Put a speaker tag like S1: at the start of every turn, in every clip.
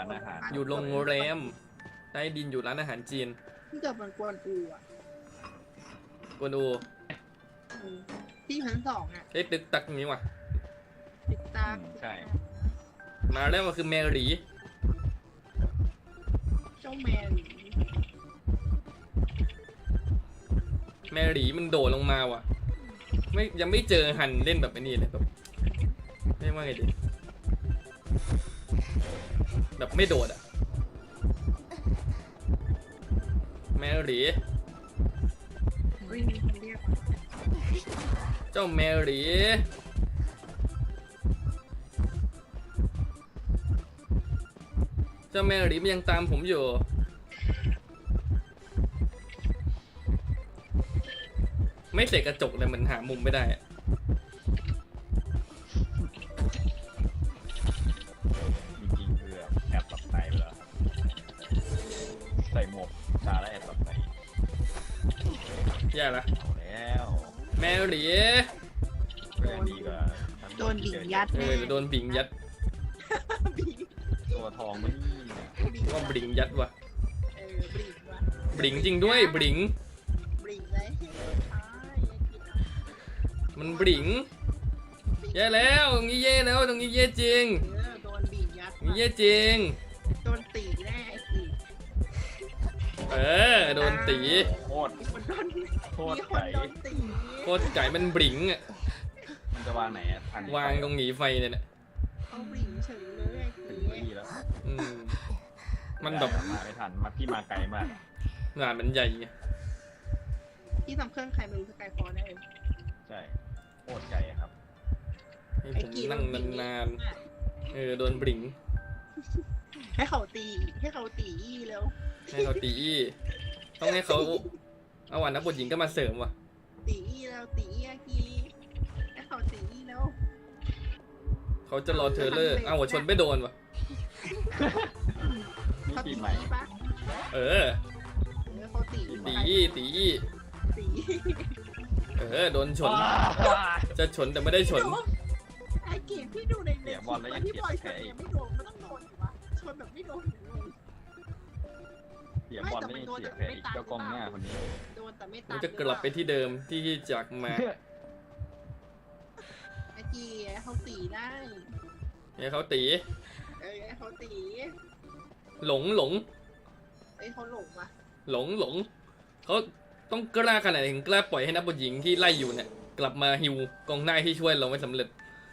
S1: านอาหาร
S2: อยู่โรงแรมใต้ดินอยู่ร้านอาหารจีน
S3: ที่เกิดมันกวนอูอ่ะ
S2: กวนอู
S3: ที่ชั้นสองอ่ะ
S2: เฮ้ยตึกตักนี้ว่ะ
S3: ติดตา
S1: ใช่
S2: มาแล้วมันคือแมรี่
S3: เจ้าแมน
S2: แมรี่มันโดดลงมาว่ะไม่ยังไม่เจอหันเล่นแบบไอ้นี่เลยแบบไม่ว่าไงดีแบบไม่โดดอะแมรี่
S3: วิ่งมีคนเรียกมา
S2: เจ้าแมรี่เจ้าแมรี่มันยังตามผมอยู่ไม่เสกกระจกเลยมันหามุมไม่ได้อะ
S1: จริงๆคือแอบหลับในไปแล้วครับใส่หมวกตาแล้วแอบหลับใน
S2: แย่ละ
S1: เอาแล้ว
S2: แมรี่
S1: ก็ยังดีกว่า
S3: โดนดิ่งยัด
S2: เออจะโดนบิงยัด
S3: บิ่ง
S1: ตัวทองมันนี่
S3: บิ่ง
S2: ว่าบิงยัดว่ะ
S3: บิ่งว่ะ
S2: บิงจริงด้วยบิง
S3: บิ่งเลยอ้ายยังกินอ่ะ
S2: มันบิงแย่แล้วตรงนี้แย่แล้วตรงนี้แย่จริง
S3: โดนบิ่งยัด
S2: ตรงนี้แย่จริง
S3: โดนตีแน่ไอ้ตี
S2: เออโดนตี
S1: โคตร
S3: มีคนโดน
S1: โคตร
S3: มีคน
S1: ไก่
S3: โดนตี
S2: โคตรไก่มันบิงอ่ะ
S1: มันจะวางไหนอะทัน
S2: วางตรงหนีไฟเนี่ยนะ
S3: เขาบิ่งเฉยเลยไอ้
S1: ถึง
S3: ตี
S1: ที่แล้ว
S2: อืมมันแบบ
S1: มาไม่ทันมาพี่มาไกลมาก
S2: งานมันใหญ่ไง
S3: ที่ทำเครื่องใครไม่รู้สกายฟอร์ได้เลย
S1: ใช่โคตรไกลอะครับ
S2: ให้ผมนั่งนานๆเออโดนบิง
S3: ให้เขาตีให้เขาตีแล้ว
S2: ให้เขาตีอี้ต้องให้เขาเอาวันนักบทหญิงก็มาเสริมว่ะ
S3: ตีแล้วตีอากีให้เขาตีแล้ว
S2: เขาจะรอเทเลอร์อ้าวหัวชนไม่โดนว่ะ
S1: นี่
S3: เขา
S1: ปี
S3: ตี
S1: ใหม่
S3: ปะ
S2: เออ
S3: เขาตี
S2: ตีอี้ตีอี้
S3: ตี
S2: เออโดนชนจะชนแต่ไม่ได้ชน
S3: ไอ้เกมพี่ดูในเน็ตที่บอยชนไม่โดนมันต้องโดนอยู่วะชนแบบไม่โดน
S1: เสียบอลไม่เสียแผลอีกเจ้ากองหน้าคนนี้
S3: โดนแต่ไม่ตั
S2: มัน
S3: ด
S2: จะกลับไปที่เดิมที่จากมา
S3: ไอ้กีเขาตีได้
S2: เนี่ยเขาตี
S3: เขาตี
S2: หลงหลง
S3: ไอ้เขาหลงว่ะ
S2: หลงหลงเขาต้องกล้าขนาดไหนถึงกล้าปล่อยให้นักบอลหญิงที่ไล่อยู่เนี่ยกลับมาฮิวกองหน้าที่ช่วยเราไม่สำเร็จ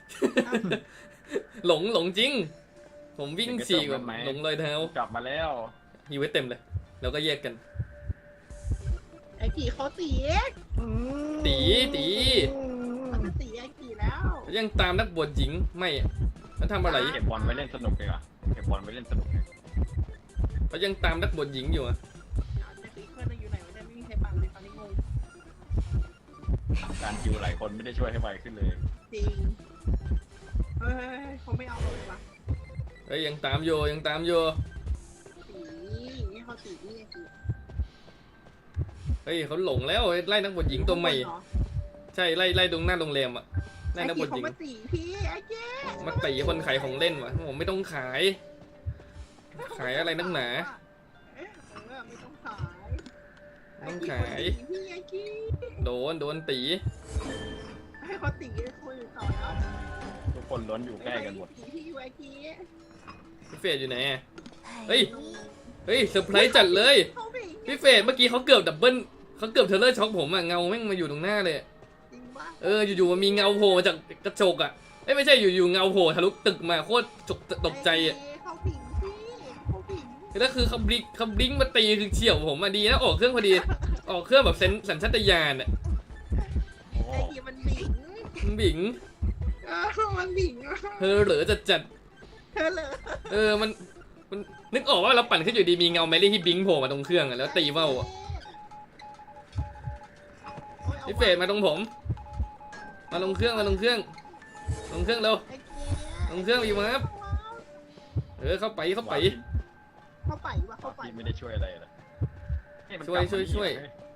S2: หลงหลงจริง ผมวิ่งฉีกแบบหลงเลยเท้าก
S1: ลับมาแล้ว
S2: ฮิวไว้เต็มเลยแล้วก็แยกกัน
S3: ไอ้กีเขาตี
S2: ตีตี
S3: เขาจะตีไอ้กีแล้ว
S2: ยังตามนักบวชหญิงไม่อะมันทำอะไร
S1: เก็บบอลไว้เล่นสนุกดีกว่าเก็บบอลไว้เล่นสนุก
S2: เขายังตามนักบวชหญิงอยู่อะ
S3: เด็กเพื่อนอยู่ไหนวะเนี่ยไม่มีใครปังเลยตอนนี้งง
S1: การคิวหลายคนไม่ได้ช่วยให้ไวขึ้นเลย
S3: จริงเฮ้ยเขาไม่เอาเราเลยวะ
S2: เฮ้ยยังตามอยู่ยังตามอยู่
S3: ตีนี่เขาตีนี่ไอ้กี
S2: เฮ้ยเขาหลงแล้วไล่นักบวชหญิงตัวใหม่ใช่ไล่ตรงหน้าโรงแรมอะไล่
S3: ไอ้
S2: นักบ
S3: กี
S2: วชห
S3: เขา
S2: ญิง
S3: มาตีพี่ไอ้เจ๊
S2: มาตีคนขายของเล่นวะผมไม่ต้องขาย ขายอะไรนักหนา
S3: ไม่ต้องขาย
S2: ต้องขาย
S3: พี่ไอ้กี
S2: โดนตี
S3: ให้เขาตีคุยต่อแล้ว
S1: ทุกคนล้วนอยู่ใกล้กันหมด
S3: ตีพี่ไอ้กี
S2: พี่เฟรดอยู่ไหนอะเฮ้ยเซอร์ไพรส์จัดเลย
S3: เขาไป
S2: พี่เฟรดเมื่อกี้เขาเกือบดับเบิ้ลเขาเกือบเทเลอร์ช็อกผมอะเงาแม่งมาอยู่ตรงหน้าเลย
S3: จริงปะ
S2: อยู่ๆมันมีเงาโผล่มาจากกระจกอะไม่ใช่อยู่ๆเงาโผล่ทะลุตึกมาโคตรตกใจอะ
S3: เขาผิงพี่เขาผิง
S2: แล้วคือเขาบลิงมาตีคือเฉี่ยวผมอะดีนะออกเครื่องพอดีออกเครื่องแบบสัญชาตญาณอะ
S1: โอ้
S3: ไอ้กีมันบิง
S2: มันบิง
S3: มันบิง
S2: เธอเหลือจัด
S3: เธอเลย
S2: มันนึกออกว่าเราปั่นขึ้นอยู่ดีมีเงาแมรี่ที่บิงโผล่มาตรงเครื่องอะแล้วตีว่าวอะพี่เฟรดมาตรงผม มาลงเครื่องเร็วลงเครื่องอยู่มาครับเข้าไป
S3: เข้าไปวะเข้าไป
S1: ไม่ได้ช่วยอะไรเลย
S2: ช่วย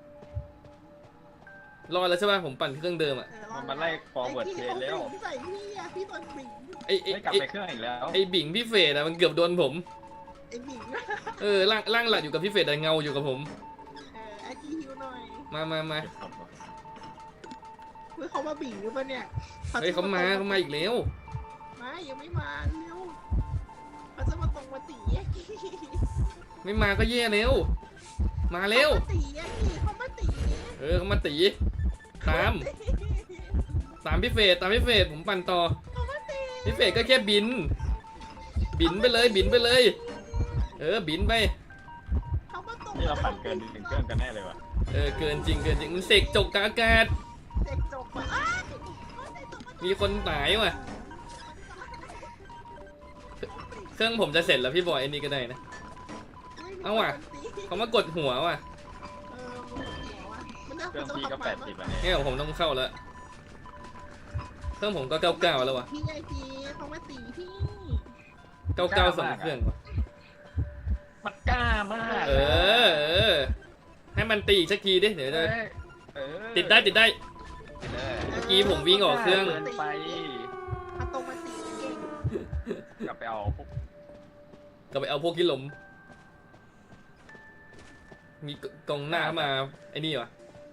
S2: รอดแล้วใช่ป่ะผมปั่นเครื่องเดิมอะ
S1: มันมาไล่ฟอร์เวิร์ดเพลย์แล้ว
S3: ใส่พี่อะพี่ตอนบิง
S1: ไม่กลับไปเครื่องอีกแล้ว
S2: ไอ้บิงพี่เฟรดอะมันเกือบโดนผม
S3: ไอ้หมิง
S2: ร่างหลักอยู่กับพี่เฟรดแต่เงาอยู่กับผม
S3: ไอ้กีฮิวหน่อย
S2: มา
S1: เก็บศพก่อน
S3: เฮ้ยเขามาบิ่งหรือเปล่าเนี่ย
S2: เฮ้ยเขามาอีกแล้ว
S3: ไม่ยังไม่มาเร็วเขาจะมาตรงมาตีแยกกี้
S2: ไม่มาก็แย่แล้วมาเร็ว
S3: เขามาตีแยกกี้เขามาตี
S2: เขามาตีตามพี่เฟรดผมปั่นต่อ
S3: เขามาตี
S2: พี่เฟรดก็แค่บินไปเลยบินไปเลย บินไป
S3: เขามาตรง
S1: นี่เราปั่นเกิน1เครื่องกันแน่เลยว่ะ
S2: เกินจริงมันเสกจกกบอากาศ
S3: เด็กจบมาอ้าว
S2: มีคนตายว่ะเครื่องผมจะเสร็จแล้วพี่บอยไอ้นี่ก็ได้นะ เอาว่ะ เขามากดหัวว่ะ
S1: เครื่องพี่ก็80อ่ะเนี่ย
S2: เนี่ยผมต้องเข้าแล้วเครื่องผมก็99แล้วว่ะ
S3: พี่ไอจีเขามาตีพี่
S2: 99 2 เครื่องว่ะ
S1: มันกล้ามาก
S2: ให้มันตีอีกสักทีดิเดี๋ยวจะ
S1: เออ
S2: ติดได้
S1: ติดเลย
S2: เมื่อกี้ผมวิ่งออกเครื่อง
S1: เกินไป
S3: มาตรงมาตีเก่ง
S1: กลับไปเอาพวก
S2: ก็ไปเอาพวกที่ล้มมีกองหน้ามาไอ้นี่วะ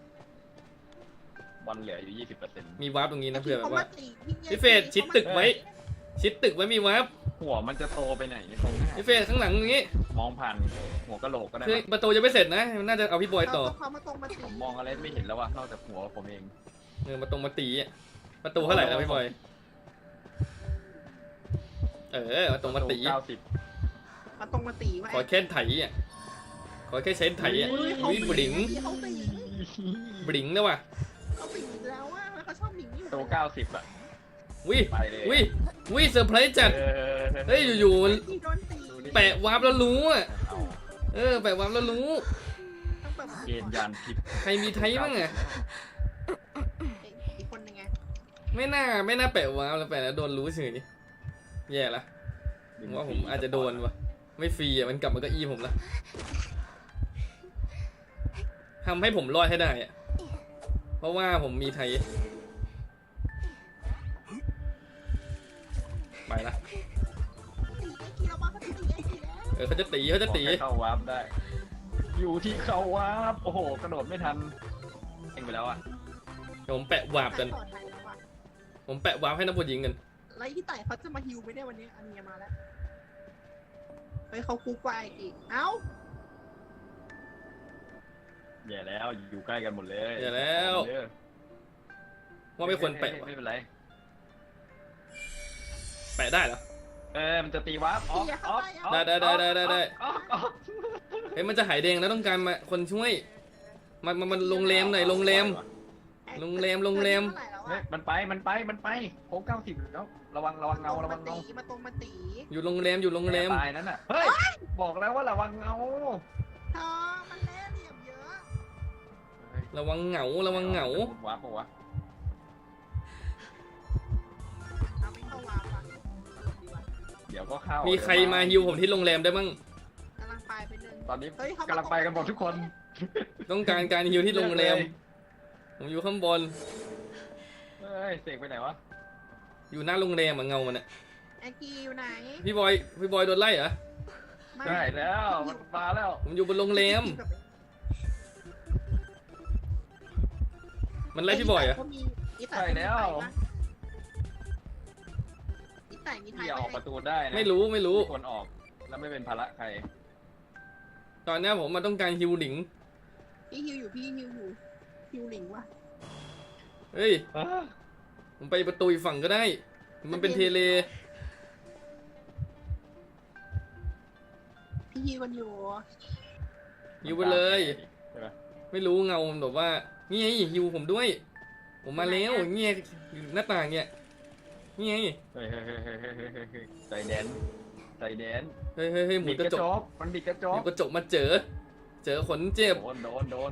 S1: บอลเหลืออยู่20%
S2: มีวาร์ปตรงนี้นะเพื่อแบบว่า
S3: ขามาตี
S2: พี่เฟรดชิดตึกไว้ มีวาร์ป
S1: หัวมันจะโตไปไหนตรงหน้า
S2: พี่เฟรดข้างหลังตรงนี้
S1: มองผ่านหัวกะโหลกก็ได้
S2: คือ
S1: มั้ง
S2: ประตูยังไม่เสร็จนะมันน่าจะเอาพี่บอยต่อ
S3: เขามาตรงมาตี
S1: ผมมองอะไรไม่เห็นแล้วว่ะนอกจากหัวผมเอง
S2: มาตีอะประตูเท่าไหร่แล้วพี่บอยมาตรงมาตี
S1: 90
S3: มาตรงมาตีไว้
S2: ขอแค่ไถอ่ะขอแค่ใช้ไถอ่ะวิบลิง
S3: เขาตี
S2: บลิงนะว่ะ
S3: เขาตีแล้วว่าเขาชอบหนิงอยู่
S1: ตัว90อ่ะ
S2: วิ
S1: ไปเลย
S2: วิเซอร์ไพรส์จัด เฮ้ยอยู่ๆมัน
S3: ที่โดนตี
S2: แปะวาร์ปแล้วรู้อ่ะ
S1: เอา
S2: แปะวาร์ปแล้วรู้
S3: ต้องแบบ
S1: เกณฑ์ยานทิพย์
S2: ใครมีไทยบ้างอ่ะ
S3: อีกคนนึงไง
S2: ไม่น่าแปะวาร์ปแล้วแปะแล้วโดนรู้เฉยแย่ละผมว่าผมอาจจะโดนว่ะไม่ฟรีอ่ะมันกลับมาเก็อี้ผมละทำให้ผมรอดให้ได้อ่ะเพราะว่าผมมีไทยไปละ
S3: ตีไอ้กีเราบ้าเขาตีไอ้กีแล้ว
S2: เขาจะตี
S1: ขอแค่เข้าวาร์ปได้ อยู่ที่เข้าวาร์ปโอ้โหกระโดดไม่ทันเองไปแล้วอ่ะ
S2: ผมแปะวาร์ปกัน ผมแปะวาร์ปให้นักบอลยิงกัน
S3: แล้วที่ไต่เขาจะมาฮิวไหมเนี่ยวันนี้อันนี้มาแล้วเฮ้ยเขาคุกไปอีกเอ้า
S1: แย่แล้วอยู่ใกล้กันหมดเลย
S2: แย่แล้ว
S1: เออ
S2: ว่าไม่ควรแปะว่ะ
S1: ไม่เป็นไร
S2: แปะได้เหรอ
S1: มันจะตีวาร์ปออกออกออก
S2: ได้
S1: ออกออก
S2: เฮ้ยมันจะหายแดงแล้วต้องการมาคนช่วยมันโรงแรมหน่อยโรงแรม
S3: เท่าไหร่แล้ว
S1: เฮ้ย
S3: อะ
S1: มันไปโค้ง90แล้วระวังเงาระวังเงา
S3: มาตรงมาตี
S2: อยู่โรงแรม
S1: ตายนั่นน่ะเฮ้ยบอกแล้วว่าระวังเงา
S3: เธอมันเล่เหลี่ยมเยอะ
S2: ระวังเหงา
S1: วาร์ปปะวะ
S3: เอาไม่เข้าวาร์ปอ่ะดีว่ะ
S1: เดี๋ยวก็เข้า
S2: มี
S1: มี
S2: ใครมาฮิวผมที่โรงแรมได้บ้าง
S3: กำลังไปเป็นหนึ่ง
S1: ตอนนี้
S3: เฮ้ยเขา
S1: กำลังไปกันหมดทุกคน
S2: ต้องการการฮิวที่โรงแรม ผมอยู่ข้างบน
S1: เฮ้ยเสกไปไหนวะ
S2: อยู่หน้าโรงแรมอะเงามันอะ
S3: แอนกี้อยู่ไหน
S2: พี่บอยโดนไล่เหรอ
S1: ได้แล้วมันมาแล้ว
S2: ผมอยู่บนโรงแรมมันไล่พี่บอยเหรอ
S3: อีไต่มีไทย
S1: ที่ออกประตูได้นะ
S2: ไม่รู้
S1: ควรออกแล้วไม่เป็นภาระใคร
S2: ตอนนี้ผมมาต้องการฮิวหลิง
S3: พี่ฮิวอยู่ฮิวหลิงว่ะ
S2: เฮ้ยผมไปประตูอีกฝั่งก็ได้ มันเป็นเทเล
S3: พี่ฮิวกันอยู่
S2: ฮิวไปเลย
S1: ใช่ปะ
S2: ไม่รู้เงามันแบบว่านี่ไงฮิวผมด้วย ผมมาแล้วเงี้ยอยู่หน้าต่างเนี่ยนี่ไง
S1: เฮ้ยใจแดน
S2: เฮ้ยหมุ
S1: บิ
S2: น
S1: ด
S2: ก
S1: ก
S2: ระ
S1: ระ
S2: จ
S1: จ
S2: ก
S1: กมันบิดกระจ
S2: หมุ
S1: ก
S2: นกระจกมาเจอขนเจ็บ
S1: โดน
S3: เจ้า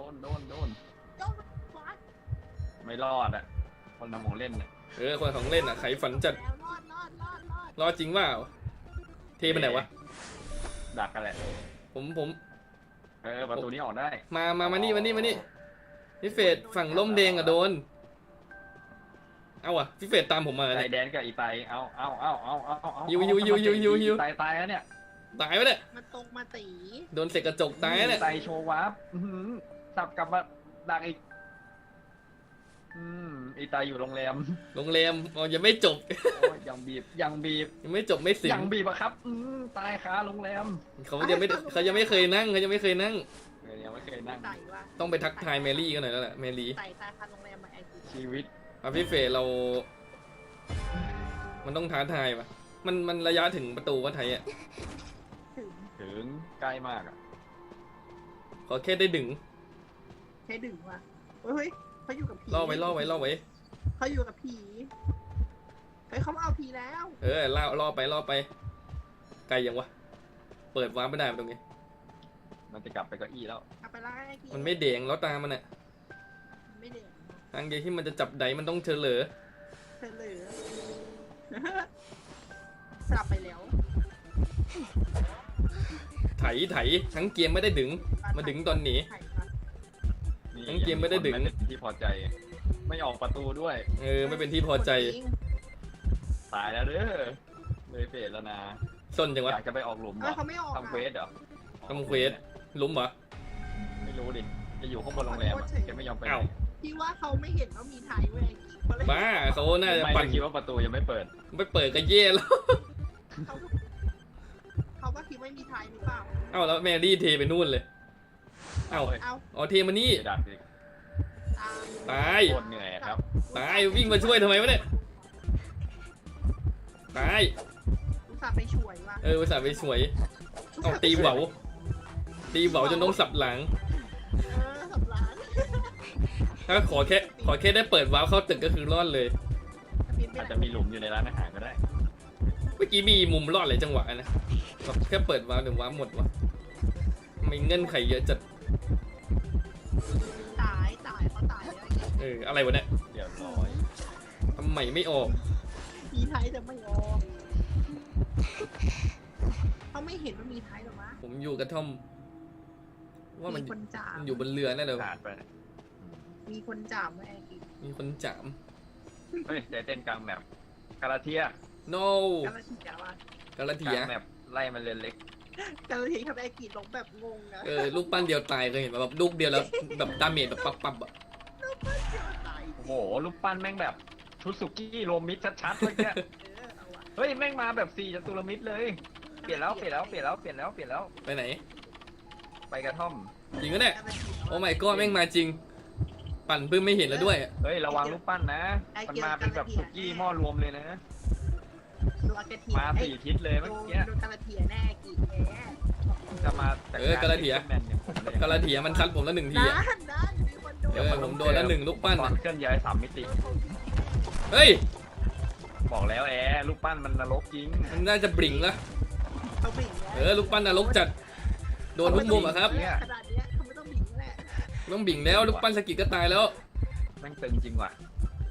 S3: วัด
S1: ไม่รอดอ่ะคนทำของเล่นอ่ะ
S2: คนของเล่นอ่ะไขฝันจัด
S3: แล้วรอด
S2: รอจริงว่าเทไปไหนวะ
S1: ดักกันแหละ
S2: ผม
S1: ประตูนี้ออกได้
S2: มานี่พี่เฟดฝั่งล่มแดงอะโดนเอาอะพี่เฟดตามผมมา
S1: ใจ
S2: เนี่ย
S1: แดนกับอีไตเอา
S2: ฮิว
S1: ตายแล้วเนี่ย
S2: ตายไปเนี่ย
S3: มาตรงมาตี
S2: โดนเสกกระจกตายเนี่ย
S1: ไตโชว์วาร์ปสับกลับมาดักอีกอีตายอยู่โรงแรม
S2: โรงแรมอ๋อยังไม่จบ
S1: โอ้ยยังบีบ
S2: ยังไม่จบไม่สิ้น
S1: ยังบีบอะครับตายคาโรงแรม
S2: เขายังไม่เคยนั่งยังไม่เคยนั่ง
S1: ยังไม่เคยนั่ง
S3: ไต่ว่ะ
S2: ต้องไปทักทายแมรี่กันหน่อยแล้วแหละแมรี่
S3: ไต่ตายคันโรงแรมมาไอจี
S1: ชีวิต
S2: พี่เฟยเรา มันต้องท้าทายปะมันระยะถึงประตูวัดไทยอ่ะ
S3: ถึง
S1: ถึงใกล้มากอ่ะ
S2: ขอแค่ได้ดึง
S3: ใช้ดึงว่ะเฮ้ยเขาอยู่กับผี
S2: ล่อไว้
S3: เขาอยู่กับผีเฮ้ยเขามาเอาผีแล้ว
S2: ล่อไปไกลยังวะเปิดวาร์ปไม่ได้ตรงนี้
S1: มันจะกลับไปเก้าอี้แล้ว
S3: เอาไปไล่ไอ้กี
S2: มันไม่เด้งแล้วตามมันอ่ะ
S3: ไม่เด่น
S2: ทางเดียวที่มันจะจับไดมันต้องเฉลย
S3: เธอเหลือสลับไปแล้ว
S2: ไถทั้งเกมไม่ได้ดึงมาดึงตอนหนี
S3: ไถ่ปะ
S2: ทั้งเกมไม่ได้ดึง
S1: เป็นที่พอใจ ไม่ออกประตูด้วย
S2: ไม่เป็นที่พอใจ
S1: ตายแล้วเด้อเลยเฟดแล้วนะ
S2: ส้นจังวะ
S1: อยากจะไปออกหลุมเหร
S3: เอ้ย
S1: อ
S3: เขาไม่ออก
S1: ทำเควสเหรอ
S2: ทำเควสล้มเหรอ
S1: ไม่รู้ดิจะอยู่ข้างบนโรงแรมอะแกไม่ยอมไปไหน
S2: อ้าว
S3: พี่ว่าเขาไม่เห็นว่ามีไทยเว้ยเขาเลย
S2: บ้าเขาน่าจะ
S1: ไม่
S2: ปั่น
S1: คิดว่าประตูยังไม่เปิด
S2: ไม่เปิดก็เย่แล้ว
S3: เขาก็คิดว่ามีไทยหรือเปล่า
S2: เอ้าแล้วแมรี่เทไปนู่นเลยเอ้า
S1: เฮ้ย
S3: เอา
S2: อ๋อเทมานี่
S1: เสียดักดิ
S3: ตาม
S2: ตาย
S1: โคตรเหนื่อยครับ
S2: ตายวิ่งมาช่วยทำไมวะเนี่ยตาย
S3: อุตส่าห์ไปช่วยว่ะ
S2: อุตส่าห์ไปสวยเอาตีเหวาจนต้องสับหลัง
S3: สับล้าน
S2: ถ้าขอแค่ได้เปิดวาร์ปเข้าตึกก็คือรอดเลย
S1: อาจจะมีหลุมอยู่ในร้านอาหารก็ได้
S2: เมื่อกี้มีมุมรอดหลายจังหวะนะแบบแค่เปิดวาร์ปเดี๋ยววาร์ปหมดวะไม่เงื่อนไขเยอะจัด
S3: ตายเขาตายแล้ว
S2: อะไรวะเนี่ย
S1: เรียบร้อย
S2: ทำไมไม่ออก
S3: มีไทยแต่ไม่ออกเขาไม่เห็นว่ามีไทยหรอวะ
S2: ผมอยู่กระท่อม ว่ามัน
S3: มีคนจาม
S2: อยู่บนเรือแน่เลย
S1: ขาดไป
S3: มีคนจามไว้ไอ้กี
S2: มีคนจาม
S1: เฮ้ยใจเต้นกลางแมปกาลาเทีย
S2: no
S3: กาลทีว่ะ
S2: กาลาก เที
S1: ลาย งแมปไล่มันเรียนเล็ก
S3: กาลทีทำไอ้กีลงแบบงงอะ
S2: ลูกปั้นเดียวตายเคยเห็นปะแบบลูกเดียวแล้วแบบดาเมจแบบปั๊บอะ
S3: ตาย
S1: โอ้โหรูปปั้นแม่งแบบชุดสุกี้โรมิดชัดๆเลยเนี่ย
S3: เอาว่ะ
S1: เฮ้ยแม่งมาแบบ4จตุรมิตรเลย เปลี่ยนแล้ว
S2: ไปไหน
S1: ไปกระท่อม
S2: จริงก็เนี่ย
S3: กาลที
S2: โอ้ my god แม่งมาจริง ปั่นเพิ่งไม่เห็นแล้วด้วย
S1: เฮ้ยระวังรูปปั้นนะ มันมาเป็นแบบสุกี้หม้อรวมเลยนะ
S3: ดูอากาเทีย
S1: มา4ทิศเลยเมื่อกี้
S3: ดูกาลทีแน่กีแน่
S1: จะมาแต่
S2: กาลาเทีย
S1: แมนอย่างผมเลย
S2: กาลาเทียมันซัดผมแล้วหนึ่งทีอะ
S3: ด้านมีคนโดน
S2: ผมโดนแล้วหนึ่งลูกปั้น
S1: ตอ
S2: อะ
S1: นเคลื่อนย้าย3 มิติ
S2: เฮ้ย
S1: บอกแล้วรูปปั้นมันนรกจริง
S2: มันน่าจะบลิงละ
S3: เขาบิ่งแล้ว
S2: ลูกปั้นนรกจัด โดนทุกมุมอะครับ
S3: ขนาดเนี้ยเขาไม่ต้องบิ่งแหละ
S2: ต้องบิ่งแล้วลูกปั้นสกิดก็ตายแล้ว
S1: แม่งตึงจริงว่ะ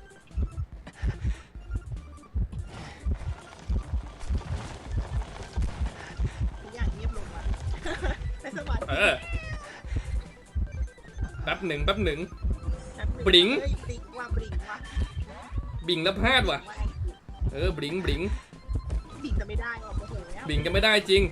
S3: ทุกอย่างเงียบลงว่ะในสมาธิ
S2: แป๊บหนึ่ง
S3: บลิง
S2: บลิง
S3: ว่ะ
S2: บิ่งแล้วพลาดว่ะ บลิง
S3: บิ่งจะไม่ได้ว่ะโมโหแล้ว
S2: บิ่งก็ไม่ได้จริง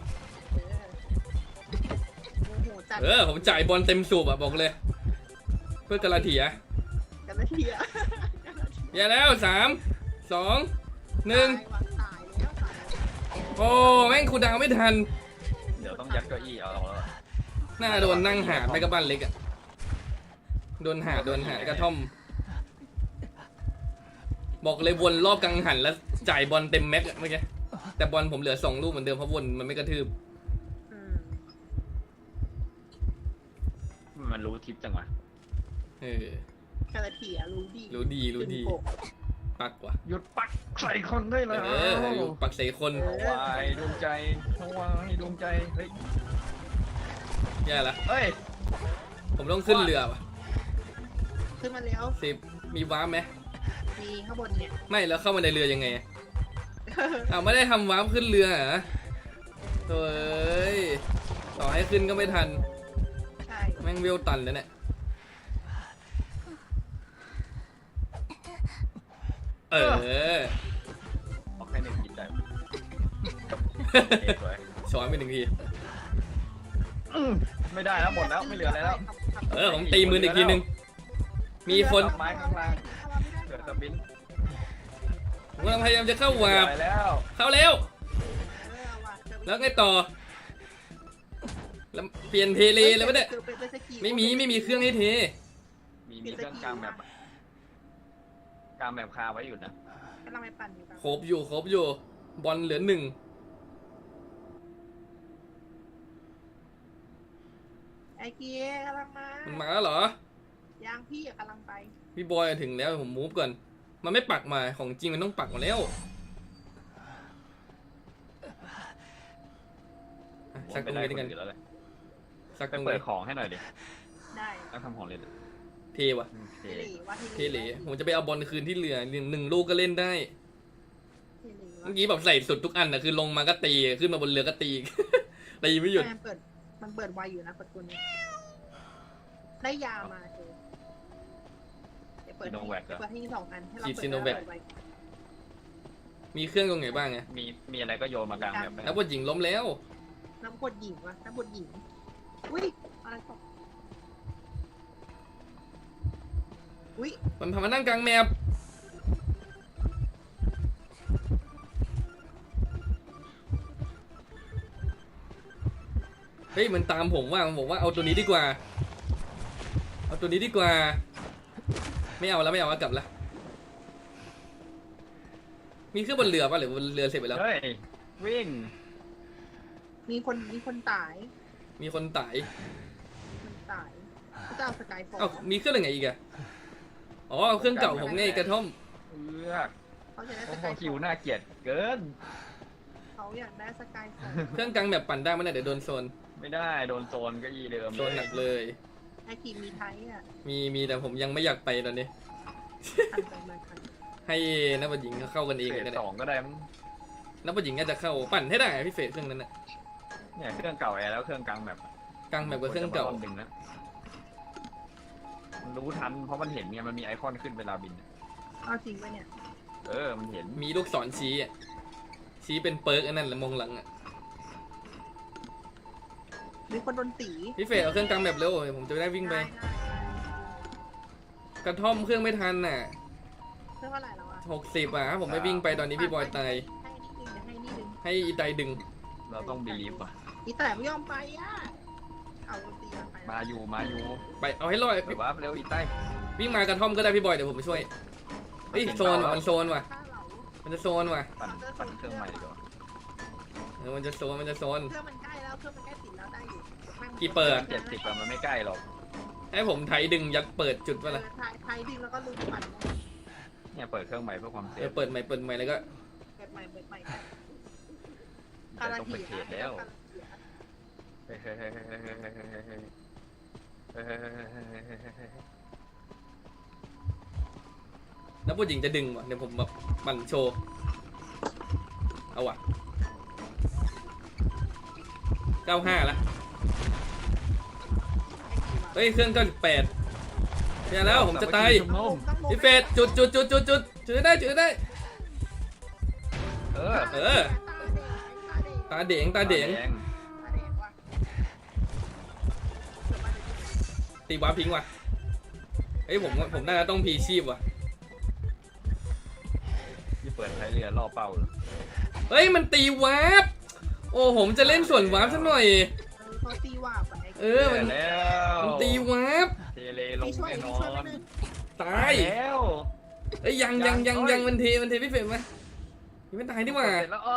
S3: โมโหจัด
S2: ผมจ่ายบอลเต็มสูบอะบอกเลย เพื่อกาลาเทีย
S3: กันละทีอะ
S2: อย่าแล้ว 3 2 1
S3: ตายแล้ว
S2: โอ้แม่งคูลดาวน์ไม่ทัน
S1: เดี๋ยวต้องยัดเก้าอี้เอาแล้ว
S2: น่าโดนนั่งหาดไปกับบ้านเล็กอะโดนหาดกระท่อม บอกเลยวนรอบกังหันแล้วจ่ายบอลเต็มแม็กอะเมื่อกี้แต่บอลผมเหลือ2 ลูกเหมือนเดิมเพราะวนมันไม่กระทืบ
S1: มันรู้ทิปจังวะ
S3: กันละทีอะรู้ดี
S2: รู้ดีปักว่ะ
S1: หยุดปักใส่คนได้เลย
S2: ปักใส่คน
S1: ถวายดวงใจถวายดวงใจเฮ้ย
S2: แย่ละ
S1: เฮ้ย
S2: ผมต้องขึ้นเรือว่ะ
S3: ขึ้นมาแล้ว
S2: 10มีว้าร์ปไหม
S3: มีข้างบนเนี่ย
S2: ไม่แล้วเข้ามาในเรือยังไงไม่ได้ทำว้าร์ปขึ้นเรือเหรอโถ่ต่อให้ขึ้นก็ไม่ทัน
S3: ใช่
S2: แม่งเวลตันแล้วเนี่ย
S1: ออกแค่1 กินได้
S2: ช้อนไปหนึ่งที
S1: ไม่ได้แล้วหมดแล้วไม่เหลืออะไรแล้ว
S2: ผมตีมืออีกทีนึงมีคน
S1: ไม้ข้างล่างเหลือแต่บิน
S2: ผมกำลังพยายามจะเข้าวาร์ป
S1: ไปแล้ว
S2: เข้าเร็วแล้วไงต่อแล้วเปลี่ยนเทเลแล้วปะเนี่ยไม่มีเครื่องให้เท
S1: มีเครื่องกลางแบบกลางแบบคาไว้อยู่นะ
S3: กำลังไปปั่นอยู่ครับ
S2: ครบอยู่บอลเหลือ1
S3: ไอ้เกียร์กำลังมา
S2: มันมาแล้วเหรอ
S3: ยางพี่กำลังไป
S2: พี่บอยถึงแล้วผมมูฟก่อนมันไม่ปักมาของจริงมันต้องปักมาแล้วสักตรงนี้ด้วยกัน
S1: แล้วเลย
S2: สัก
S1: ไป
S2: ตรง
S1: เปิ
S2: นี้
S1: ดของให้หน่อยดิ
S3: ได้
S1: ต้องทำของเล่น
S2: เทวะ
S1: เท
S3: เทเลว่า
S2: เทเหลผมจะไปเอาบอลคืนที่เหลือหนึ่งลูกก็เล่นได้
S3: เทเล
S2: เมื่อกี้แบบใส่สุดทุกอันนะคือลงมาก็ตีขึ้นมาบนเรือก็ตี ตีไม่หยุด
S3: มันเปิดไวอยู่นะประตูนี้ได้ยามาเธอเปิดให้2 อันให้เราเปิดไว
S2: มีเครื่องตรงไหนบ้างไง
S1: มีอะไรก็โยนมากลางแบบ
S2: นักบอลหญิงล้มแล้ว
S3: น้ำกดหญิงวะน้ำกดหญิงอุ้ยอะไรตกอุ้ย
S2: มันพามานั่งกลางแมปเฮ้ยมันตามผมว่ามันบอกว่าเอาตัวนี้ดีกว่าเอาตัวนี้ดีกว่าไม่เอาแล้วกลับละมีเครื่องบนเรือป่ะหรือบนเรือเสร็จไปแล้ว
S1: เฮ้ยวิ่ง
S3: มีคนตาย
S2: มีคนตาย
S3: เจ้าสกายฟอ
S2: เอ้ามีเครื่องอะไรอีกอะอ๋อเครื่องเก่าผมไงกระท่อม
S3: เขาจะได้
S1: โอ้
S3: ส
S1: โห
S3: กายฟ
S1: คิวน่าเกลียดเกิน
S3: เขาอยากได้สกายฟอ
S2: เครื่องกลางแบบปั่นได้ไหมเนี่ยเดี๋ยวโดนโซน
S1: ไม่ได้โดนโซนก็ยีเดิม
S2: โซนหนักเลย
S3: ไอคีมีไทยอ่ะ
S2: มีแต่ผมยังไม่อยากไปตอนนี้
S3: ทันไปมาทัน
S2: ให้นักบอลหญิงเขาเข้ากันเอง
S1: เฟ
S2: ก็
S1: ส
S2: ได้
S1: 2ก็ได้มั้ง
S2: นักบอลหญิงน่าจะเข้าปั่นให้ได้พี่เฟสเครื่องนั้นน่ะ
S1: เนี่ยเครื่องเก่าแอร์แล้วเครื่องกลางแบบ
S2: กลางแบบกับเครื่องเก่า
S1: ดึงนะมันรู้ทันเพราะมันเห็นไงมันมีไอคอนขึ้นเวลาบิน
S3: เอาจริงปะเนี่ย
S1: มันเห็น
S2: มีลูกศรชี้อ่ะชี้เป็นเปิร์กอันนั้นแหละมองหลังอ่ะ
S3: มีคนโดนตี
S2: พี่เฟสเอาเครื่องกลางแบบเร็วผมจะได้วิ่งไปกระท่อมเครื่องไม่ทันน่ะ
S3: เรื่องเท่าไหร่แล้วอ่ะ
S2: 60อ่ะถ้าผมไม่วิ่งไปตอนนี้พี่บอยตาย
S3: ให้นิดนึง
S2: ให้อีไตดึง
S1: เราต้องบีลีฟว่ะ
S3: อีแต่ไม่ยอมไปอ่ะเอาตีมันไป
S1: มาอยู่
S2: ไปเอาให้รอด
S1: หรือว่าเร็วอีใต้
S2: วิ่งมากระท่อมก็ได้พี่บอยเดี๋ยวผมไปช่วยเฮ้ยโซนว่ะมันโซนว่ะ
S3: ฆ่าเรา
S2: มันจะโซนว่ะ
S1: ปั่นเครื่องใหม่ดีกว่า
S2: มันจะโซน
S3: เครื่องมันใกล้แล้วเครื่องมันใกล้ติดแล้วได้อยู่
S2: กี่เปิด
S1: 70อะมันไม่ใกล้หรอก
S2: ให้ผมไถดึงยักษ์เปิดจุดป่ะล่ะ
S3: ไทยดึงแล้วก็ลุกปั่น
S1: เนี่ยเปิดเครื่องใหม่เพื่อความเซฟ
S2: เปิดใหม่แล้วก็
S3: เปิดใหม่
S1: เดี๋ยวต้องไปเทรดแล้วเฮ้ย
S2: แล้วผู้หญิงจะดึงว่ะเดี๋ยวผมแบบปั่นโชว์เอาว่ะ95ละเฮ้ยเครื่อง98เนี่ยแล้วผมจะตายพี่เฟสจุดได้ตาเด่งตีวาร์ปทิ้งว่ะเฮ้ยผมน่าจะต้องพีชีพว่ะ
S1: ที่เปิดใช้เรือล่อเป้าเลย
S2: เฮ้ยมันตีวาร์ปโอ้ผมจะเล่นส่วนวาร์ปสักหน่อย
S3: เขาตีว่าไป
S2: มัน
S1: แล้ว
S2: ตีวาร์ป
S1: เทเลลงแน่นอน
S2: ตาย
S1: แล้ว
S2: เอ้ยยังมันเทพี่เฟรมไหมยังไม่ตายดีกว่า
S1: เสร็จแล้ว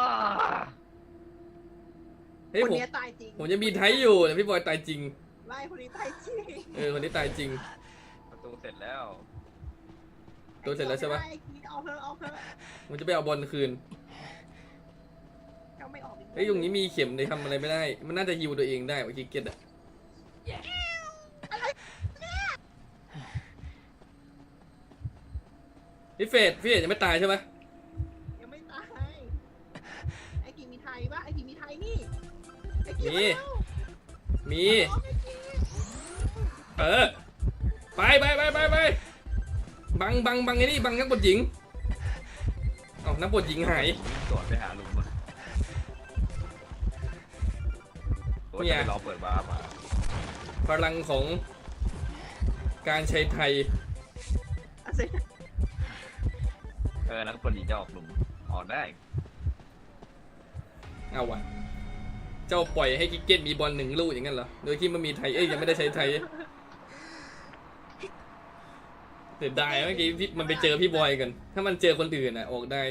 S2: เฮ้ย
S3: คน
S2: ผม
S3: นี้ตายจริง
S2: จะมีไทยอยู่แต่พี่บอยตายจริง
S3: ไล่คนนี้ตายจริง
S2: คนนี้ตายจริง
S1: ประตูเสร็จแล้ว
S2: ตัวเสร็จแล้วใช่ปะ
S3: เอาเถอะ
S2: ผมจะไปเอาบอลคืน
S3: ก็ไม่ออก
S2: เฮ้ยตรงนี้มีเข็มเลยทำอะไรไม่ได้ มันน่าจะฮิวตัวเองได้ว่าคิกเก็ตอะพี่เฟสยังไม่ตายใช่ไหม
S3: ยังไม่ตายไอ้กีมีไทยปะไอ้กีมีไทยนี่ไอ้กี
S2: มีไปบังไอ้นี่บังนักบทหญิงนักบทหญิงหาย
S1: ก่อนไปหาลุงมาจะไปรอเปิดวาร์ปมา
S2: พลังของการใช้ไทย
S3: อาเซ
S1: นักบอลหญิงจะออกหลุมออกได้
S2: เอาวะเจ้าปล่อยให้กิกเก็ตมีบอล1 ลูกอย่างนั้นเหรอโดยที่มันมีไทยยังไม่ได้ใช้ไทยเสียดายเมื่อกี้มันไปเจอพี่บอยกันถ้ามันเจอคนอื่นออกได้